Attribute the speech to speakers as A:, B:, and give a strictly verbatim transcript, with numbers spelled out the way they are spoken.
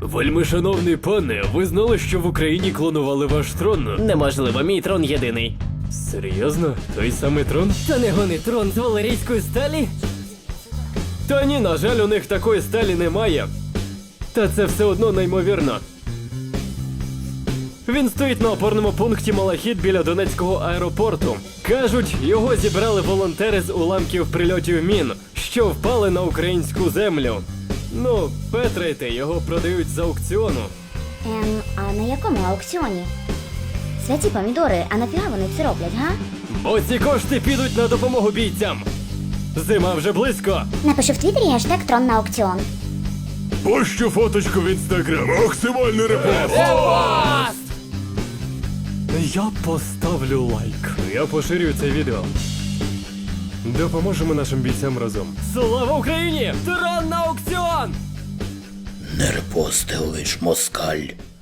A: Вельми шановний пане, ви знали, що в Україні клонували ваш трон?
B: Неможливо, мій трон єдиний.
A: Серйозно? Той самий трон?
B: Та не гони трон з валерійської сталі?
A: Та ні, на жаль, у них такої сталі немає. Та це все одно неймовірно. Він стоїть на опорному пункті Малахіт біля Донецького аеропорту. Кажуть, його зібрали волонтери з уламків прильотів мін, що впали на українську землю. Ну, Петрайте, його продають з аукціону.
C: Ем, а на якому аукціоні? Святі помідори, а нафіга вони це роблять, га?
A: Бо ці кошти підуть на допомогу бійцям. Зима вже близько.
C: Напишу в твіттері гештег трон на аукціон.
D: Пощу фоточку в інстаграм. Максимальний репост.
A: Я поставлю лайк. Я поширюю це відео. Допоможемо нашим бійцям разом. Слава Україні! Трон на аукціон!
E: Не репостив лиш москаль.